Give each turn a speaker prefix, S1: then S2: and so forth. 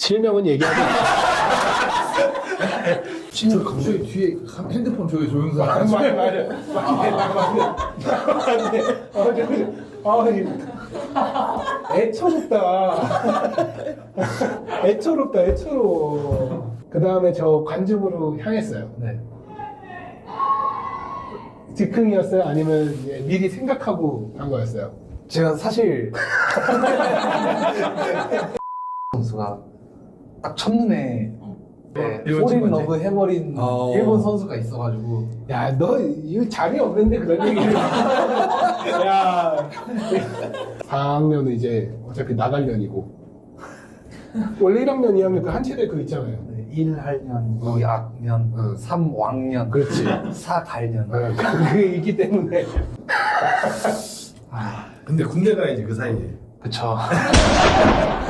S1: 실명은 얘기하지 않아.
S2: 저기 뒤에 핸드폰 저기 조용사.
S1: 맞네. 애처롭다. 그 다음에 저 관중으로 향했어요.
S2: 네.
S1: 즉흥이었어요? 아니면 이제 미리 생각하고 한 거였어요?
S2: 제가 사실 선수가 딱 첫눈에 폴인 러브 해버린 일본 선수가 있어가지고
S1: 야, 너 이거 자리 없는데 그런 얘기를. 야, 4학년은 이제 어차피 나갈년이고. 원래 1학년, 2학년 그 한 체대 그 있잖아요.
S2: 1할년, 2학년, 3왕년,
S1: 그렇지.
S2: 4갈년.
S1: 그게 있기 때문에.
S3: 근데 군대 가야지 그 사이에.
S2: 그쵸.